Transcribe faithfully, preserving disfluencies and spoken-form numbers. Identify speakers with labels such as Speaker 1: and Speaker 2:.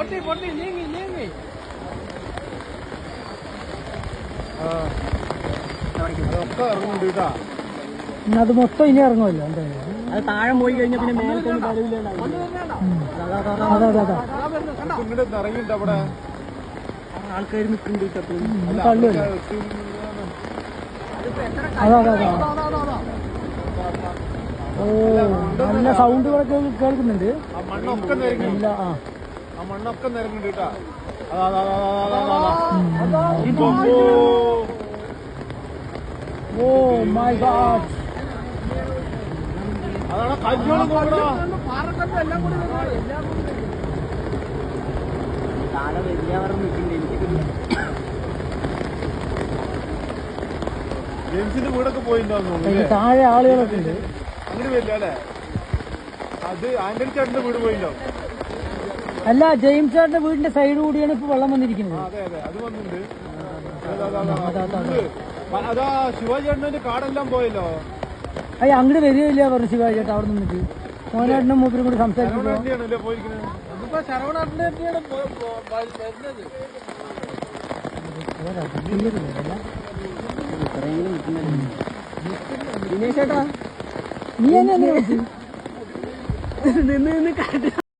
Speaker 1: അത് മൊത്തം ഇനി ഇറങ്ങുമല്ലോ എന്തായാലും
Speaker 2: അത് താഴെ പോയി കഴിഞ്ഞാൽ പിന്നെ മേലത്തൊന്നും
Speaker 3: ഇറങ്ങിണ്ട് അവിടെ
Speaker 2: ആൾക്കാർ നിൽക്കുന്നുണ്ട്.
Speaker 1: തള്ളുമല്ലോ. അതാ അതാ ഓ നല്ല സൗണ്ടുകളൊക്കെ കേൾക്കുന്നുണ്ട്.
Speaker 3: മണ്ണൊക്കെ
Speaker 1: ഇല്ല ആ
Speaker 3: ആ മണ്ണൊക്കെ നിരങ്ങുന്നുണ്ട് കേട്ടാ.
Speaker 1: Oh my god.
Speaker 3: അതാണ് കല്യാണം നോക്കണോ.
Speaker 2: താഴെ വലിയവർ നിൽക്കുന്നുണ്ട്. എനിക്ക്
Speaker 3: ജെയിംസിന്റെ വീടൊക്കെ പോയിട്ടുണ്ടാവും.
Speaker 1: താഴെ ആളുകളൊക്കെ ഉണ്ട്.
Speaker 3: അങ്ങനെ വരില്ല അല്ലേ? അത് ആന്റണി ചേട്ടന്റെ വീട് പോയിട്ടുണ്ടാവും.
Speaker 1: അല്ല, ജെയിംസ് ചേട്ടന്റെ വീടിന്റെ സൈഡ് കൂടിയാണ് ഇപ്പൊ വെള്ളം വന്നിരിക്കുന്നത്.
Speaker 3: അതെ അതെ, അത് വന്നിട്ടുണ്ട്. അതാ ശിവാജി ചേട്ടന്റെ കാടെല്ലാം പോയല്ലോ.
Speaker 1: അയ്യ അങ്ങോട്ട് വരികയില്ല പറഞ്ഞു ശിവാജി ചേട്ടാ. അവിടെ നിന്നിട്ട് മോനേട്ടനും മൂപ്പരും കൂടി സംസാരിക്കുമ്പോ
Speaker 3: പോയിരിക്കുന്നത്.
Speaker 2: ദിനേശ് ചേട്ടാ
Speaker 1: നീ എന്നെ
Speaker 2: നിന്ന് നിന്ന്